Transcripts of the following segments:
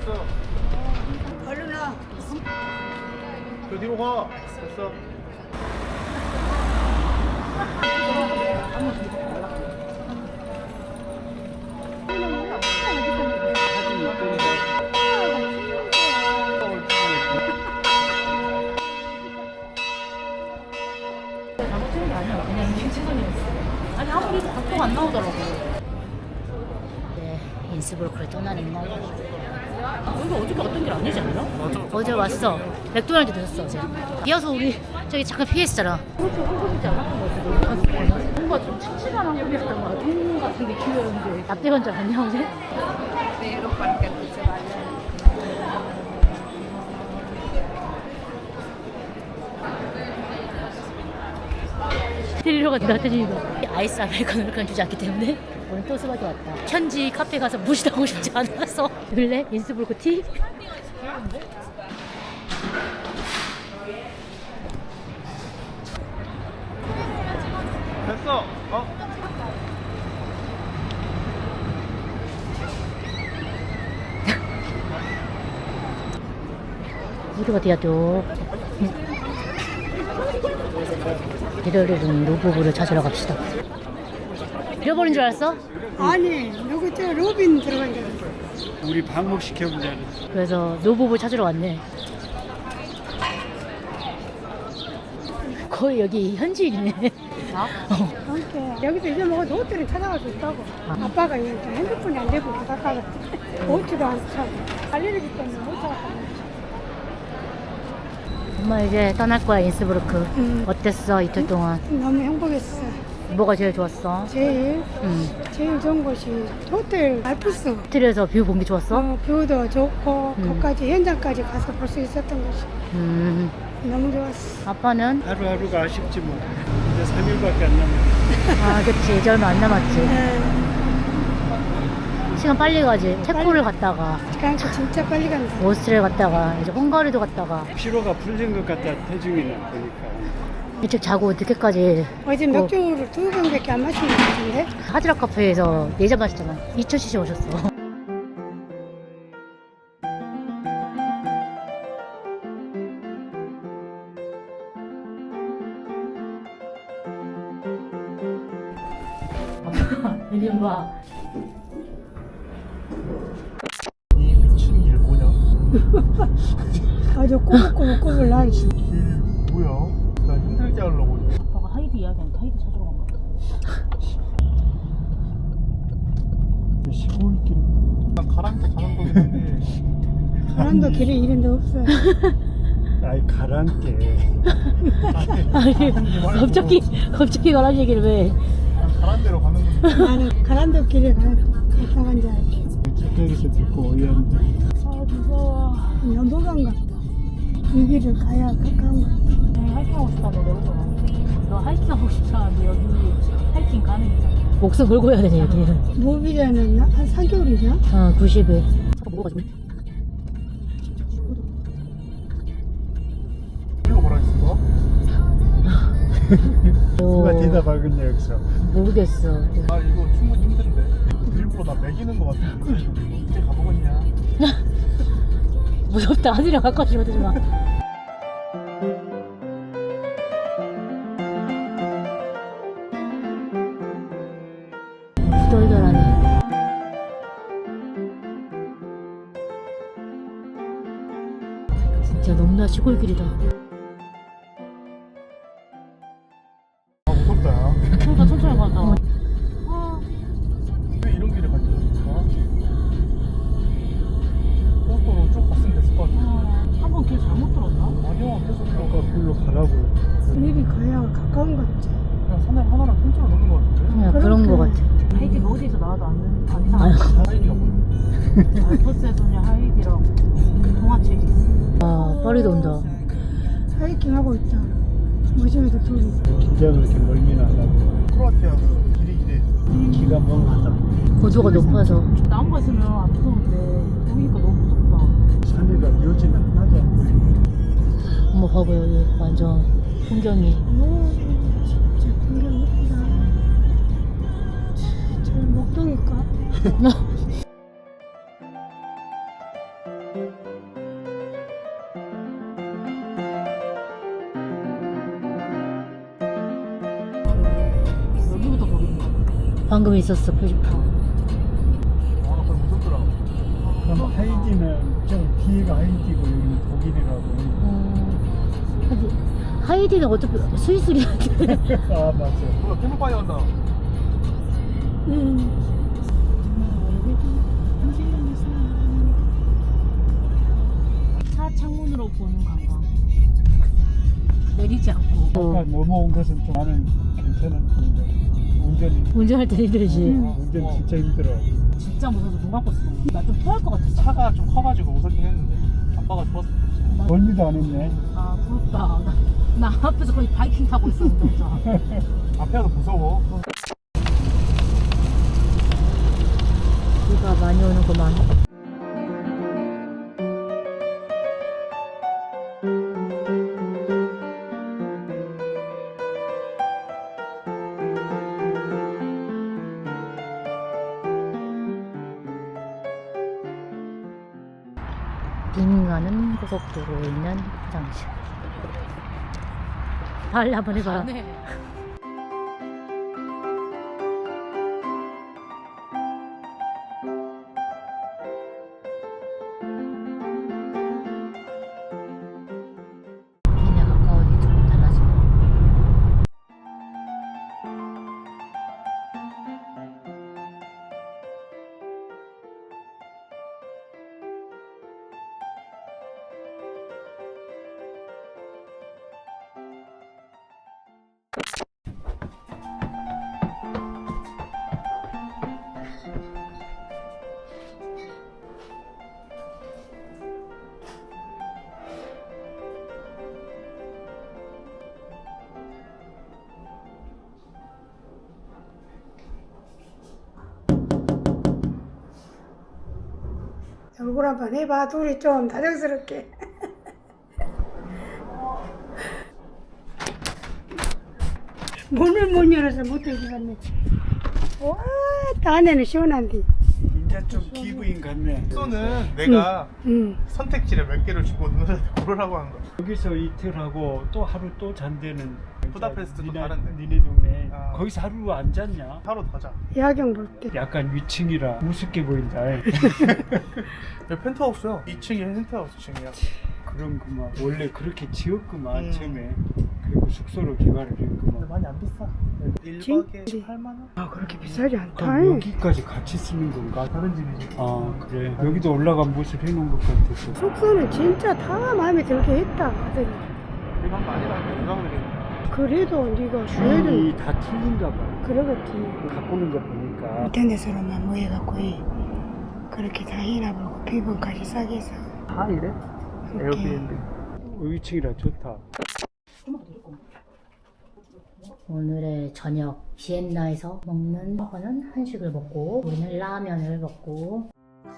됐어. 얼른 와. 저 뒤로 가. 됐어. 잘못된 게 아니야. 그냥 인식체선이었어. 아니 아무리 각도가 안 나오더라고. 네, 인스부르크를 떠나는 날. 여기 어저께 어떤 길 아니지 않나? 맞아. 어제 왔어. 맥도날드 들었어 어제. 이어서 우리 저기 잠깐 피했었잖아. 그렇게 한국이지 않았던 것 같아. 뭔가 좀 칙칙한 한국이었던 것 같아. 동 같은 느낌이었는데. 납대건 줄 알았냐 어제? 데리러 갔다 왔더니 아이스 아메리카노를 주지 않기 때문에 오늘 또 수박이 왔다. 현지 카페 가서 무시하고 싶지 않아서 원래 인스부르크 티? 됐어. 어? 어디가 디아도 이러려는 로보부를 찾으러 갑시다. 잃어버린 줄 알았어? 아니, 여기 저 로빈 들어간 줄 알았어. 우리 방목시켜보자. 그래서 노부부 찾으러 왔네. 거의 여기 현지인이네. 그러니까 여기서 이제 먹어도 호텔을 찾아갈 수 있다고. 아빠가 이제 핸드폰이 안 되고 가다가 보트도 안 차고 알레르기 때문에 못 찾았거든. 엄마 이제 떠날 거야 인스부르크. 어땠어 이틀 동안? 너무 행복했어. 뭐가 제일 좋았어? 제일 좋은 곳이 호텔 알프스. 호텔에서 뷰 본 게 좋았어? 뷰도 좋고 거기까지 현장까지 가서 볼 수 있었던 것이 너무 좋았어. 아빠는? 하루하루가 아쉽지 뭐. 이제 3일밖에 안 남았어. 아 그치 이제 얼마 안 남았지. 네. 시간 빨리 가지. 체코를 갔다가 그러니까 진짜 빨리 간다. 오스트리아 갔다가 이제 헝가리도 갔다가 피로가 풀린 것 같다. 태중이는 보니까. 일찍 자고 늦게까지 어제 맥주를 2병밖에 안 마신 것 같은데? 하드락 카페에서 4잔 마셨잖아. 2000cc 오셨어. 이리 봐. 이 미친 길 뭐냐? 아주 꼬불꼬불꼬불 나. 길 뭐야? 나 힘들게 하려고. 아빠가 하이드 이야기하니까 하이드 찾으러 간 거야. 시골길. 난 가랑게 가는 거긴 한데. 사람도 길에 이런 데 없어. 아이 가랑게. 아니 갑자기 가라는 얘기를 왜? 가란 데로 가는 건데. 나는 가란도 길에 갔다 간 줄 알지. 가까이서 듣고 어이한데. 아 무서워. 넘어간가? 이 길을 가야 가까운 거. 하이킹 하고 싶다며 내려줘라. 너 하이킹 하고 싶다는데 여기 하이킹 가능이잖아. 목숨 걸고 해야 되네 여기는. 무비자는 한 4개월이죠? 90일. 잠깐 먹어가지고. 이거 뭐라 했어? 누가 뒤다 박은 여기서. 모르겠어. 아 이거 충분히 힘든데. 일부러 나 매기는 거 같은데. 이제 가보겠냐? 무섭다. 하늘이랑 가까워지면 되지 마. 후덜덜하네. 진짜 너무나 시골길이다. 아 무섭다 야. 그러니까 천천히 가자. 왜 이런 길에 가지 않았을까? 고속도로 쭉 갔으면 됐을 것 같아. 한 번 길 잘못 들었나? 아니야 계속 글로 가라고. 길이 가야 가까운 거 같지. 그냥 산을 하나랑 통째로 넣는 것 같은데. 그냥 그런 거 같아. 하이디가 어디서 나와도 안 이상해. 하이디가 뭐야? 알프스에서는 하이디랑 동화책이 있어. 아, 파리도 온다. 하이킹 하고 있다. 무심해서 둘이. 긴장을 이렇게 멀미는 안 하고. 크로아티아 그 길이 이래. 기가 멍하다. 고도가 높아서. 나무가 있으면 안 무서운데 보이니까 너무 무섭다. 산이가 묘지는 하나도 안 보이네. 엄마 봐봐 여기 완전 풍경이. 오, 진짜 풍경 예쁘다. 저 목동일까? 여기부터 거기인가 봐. 방금 있었어 표지판. 아, 그거 무섭더라. 그럼 하이디는 저 뒤에가 하이디고 여기는 독일이라고. 하이디는 어차피 스위스리한테. 아 맞아. 뭐야, 캠프파이 한다. 차 창문으로 보는 관광. 내리지 않고. 아까 넘어온 것은 좀 나는 괜찮았는데 운전할 때 힘들지. 운전 진짜 힘들어. 진짜 무서워서 눈 감고 있어. 나 좀 토할 것 같았어. 차가 좀 커가지고 무섭긴 했는데 아빠가 좋았어. 멀미도 안 했네. 아 부럽다. 나 앞에서 거의 바이킹 타고 있었는데 진짜. 앞에서 무서워. 비가 많이 오는구만. 빙 가는 고속도로에 있는 화장실. 빨리 한번 해봐. 네. 비에 가까워지기 조금 달라지네. 얼굴 한번 해봐. 둘이 좀 다정스럽게. 문을 못 열어서 못 들고 갔네. 와, 안에는 시원한데. 이제 좀 기부인 같네. 숙소는 내가 응. 선택지를 몇 개를 주고 누나한테 고르라고 한 거야. 여기서 이틀하고 또 하루 또 잔대는 부다페스트 또 니네- 다른데. 니네 동네. 아. 거기서 하루 안 잤냐? 하루 더 자. 야경 볼 때. 약간 위층이라 우습게 보인다. 여기 펜트하우스야. 2층이 펜트하우스층이야. 그런 구만 원래 그렇게 지었구만. 음. 처음에. 그리고 숙소로 개발을 근데 했구만. 많이 안 비싸. 1박에 18만 원? 아, 그렇게 비싸지 않다. 그럼 여기까지 같이 쓰는 건가? 다른 집이지. 아 그래. 여기도 올라간 모습 해놓은 것 같아서. 숙소는 진짜 다 마음에 들게 했다. 아들이. 이건 아니라 유명들이. 그래도 네가 주애를 이 다 틀린가 봐. 그러겠지. 바꾸는 거 보니까. 인터넷으로만 모여갖고 그렇게 다 해놔보고 비번까지 싸게 해서. 다 이래? 에어비앤비. 위층이라 좋다. 오늘의 저녁 비엔나에서 먹는 거는 한식을 먹고 우리는 라면을 먹고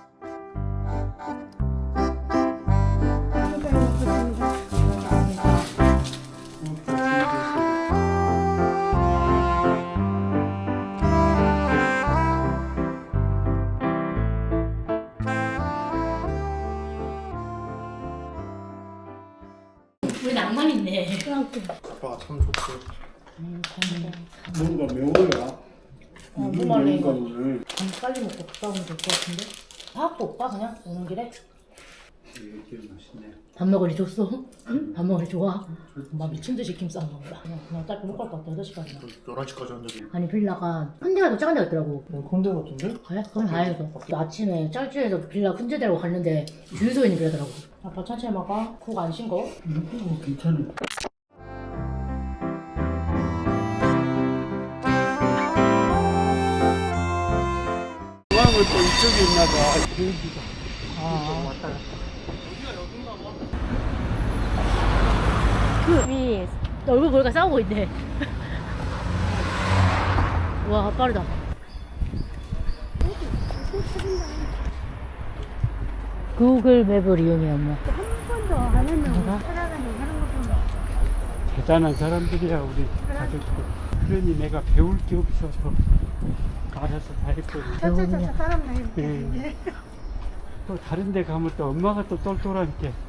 우리 낭만 있네. 아빠가 참 좋지. 뭔가 매워야. 무말랭이 거. 오늘. 빨리 먹고 갔다 오면 될 것 같은데? 사갖고 올까 그냥 오는 길에? 이게 맛있네. 밥 먹으리 줬어? 밥 먹으리 좋아? 막 미친 듯이 김 싸는 거야. 그냥 짧게 못 갈 것 같아 8시까지. 11시까지 한 적이. 아니 빌라가 큰 데가 더 작은 데가 있더라고. 콘대 같은데? 그래? 그럼 다행이다. 아침에 짤주에서 빌라 큰 데라고 갔는데 주유소에 있는 빌라더라고. 아빠 천천히 먹어. 푹 안 쉰거? 괜찮아. 중앙을 또 이쪽에 있나 봐. 여기가. 왔다 갔다. 그 위, 얼굴 보니까 싸우고 있네. 와 빠르다. 구글 맵을 이용해 엄마. 한 번도 안 했는데 뭐가? 살아가는 하는 거 보면 대단한 사람들이야 우리 가족들. 그러니 내가 배울 게 없어서 알아서 다 했거든. 차차차차 사람 나이 예. 또 다른 데 가면 또 엄마가 또 똘똘하니까